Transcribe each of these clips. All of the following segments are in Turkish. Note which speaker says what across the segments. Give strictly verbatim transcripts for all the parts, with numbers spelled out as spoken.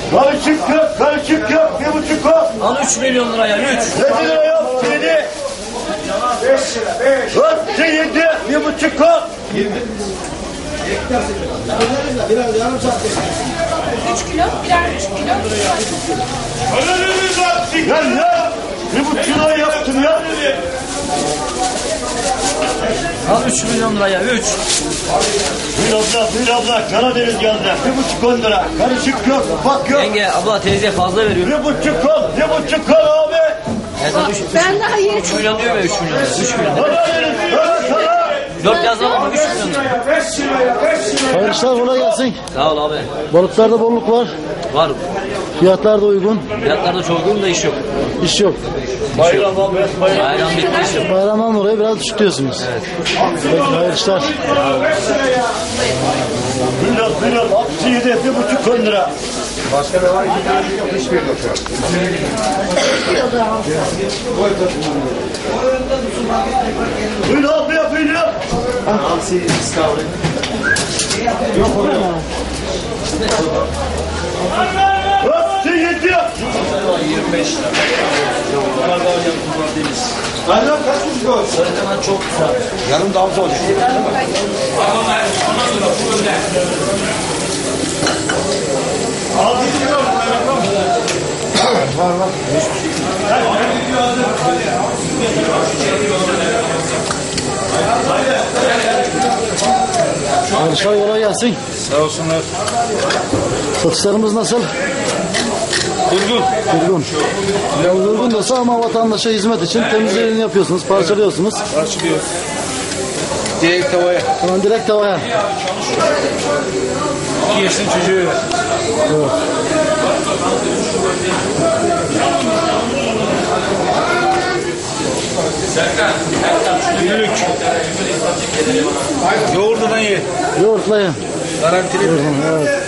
Speaker 1: Karışık yok, karışık yok. Bir buçuk o.
Speaker 2: Al üç milyon liraya üç.
Speaker 1: Yedi lira yok, yedi. Beş lira, beş. Dört, yedi, bir buçuk o.
Speaker 3: Biraz yarım saat.
Speaker 4: üç kilo, birer üç kilo.
Speaker 1: Ya ya, bir buçuk lira yaptım ya.
Speaker 2: Al üç milyon liraya üç.
Speaker 1: Bir abla, bir abla, Karadeniz geldi. Bir buçuk on lira. Karışık yok, ufak yok.
Speaker 2: Yenge abla teyze fazla veriyor.
Speaker 1: Bir buçuk on, bir buçuk on abi.
Speaker 4: Ben daha yeni
Speaker 2: üç milyon diyor ya üç milyon. üç milyon.
Speaker 1: Karadeniz, Karadeniz.
Speaker 2: dört yazalım ama üç milyon lira.
Speaker 3: Hayırlı işler, kolay gelsin.
Speaker 2: Sağ ol abi.
Speaker 3: Balıklarda bolluk var.
Speaker 2: Var.
Speaker 3: Fiyatlar da uygun.
Speaker 2: Fiyatlar da çok uygun da iş yok.
Speaker 3: İş yok.
Speaker 1: Bayram abi, bayram.
Speaker 2: Bayram bitti iş yok.
Speaker 3: Bayramdan dolayı biraz düşük diyorsunuz. Evet. Peki, hayırlı işler.
Speaker 1: Milyon, milyon, altı yedi, bir buçuk on lira.
Speaker 5: Başka ne var? Hiçbir yok şu an.
Speaker 1: Buyur abi ya, buyur ya.
Speaker 5: Hamsi istavri.
Speaker 1: Altı yedi.
Speaker 5: yirmi beş lira. Benden kaç yüz gol?
Speaker 2: Sarıkanan çok güzel.
Speaker 5: Yarım daha zor. Var var.
Speaker 3: Hayırlı işler, kolay gelsin.
Speaker 5: Sağ olsunlar.
Speaker 3: Satışlarımız nasıl?
Speaker 5: Durgun.
Speaker 3: Durgun. Yani durgun da ama vatandaşa hizmet için temizliğini yapıyorsunuz, parçalıyorsunuz.
Speaker 5: Açılıyor. Direkt tavaya.
Speaker 3: Hemen direkt tavaya.
Speaker 5: İki yaşın çocuğu.
Speaker 3: Evet.
Speaker 5: Günlük. Yoğurdudan ye.
Speaker 3: Yoğurtla ye.
Speaker 5: Garantili.
Speaker 3: Evet.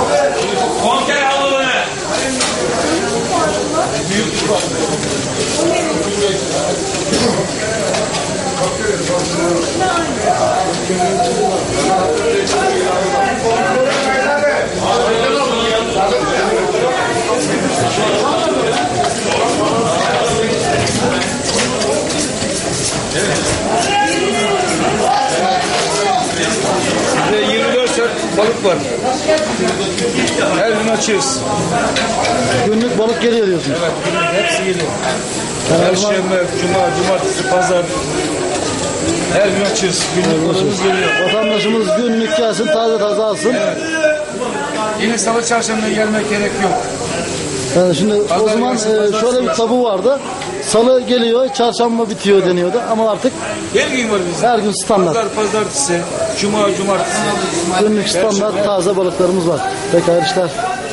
Speaker 5: Bizde yirmi dört saat balık var. Her gün açıyoruz.
Speaker 3: Günlük balık geliyor diyorsunuz.
Speaker 5: Evet, günlük hepsi geliyor.
Speaker 3: Yani o zaman
Speaker 5: Perşembe, cuma, cumartesi, pazar. Her gün açıyoruz. Günlük balığımız geliyor.
Speaker 3: vatandaşımız günlük gelsin, taze taze alsın.
Speaker 5: Yine salı çarşamba gelmek gerek yok.
Speaker 3: Yani şimdi o
Speaker 5: Pazar
Speaker 3: zaman
Speaker 5: gelsin,
Speaker 3: e,
Speaker 5: pazar
Speaker 3: şöyle bir
Speaker 5: gelsin.
Speaker 3: tabu vardı. Salı geliyor, çarşamba bitiyor deniyordu ama artık
Speaker 5: Her gün var bizde.
Speaker 3: her gün standart.
Speaker 5: Pazar, pazartesi, cuma, cumartesi.
Speaker 3: Günlük standart taze balıklarımız var. Peki, hayırlı işler.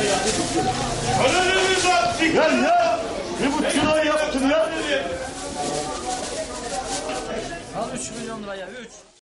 Speaker 1: Ya ya, bir buçuk lira yaptım ya.
Speaker 2: Al üç milyon liraya üç.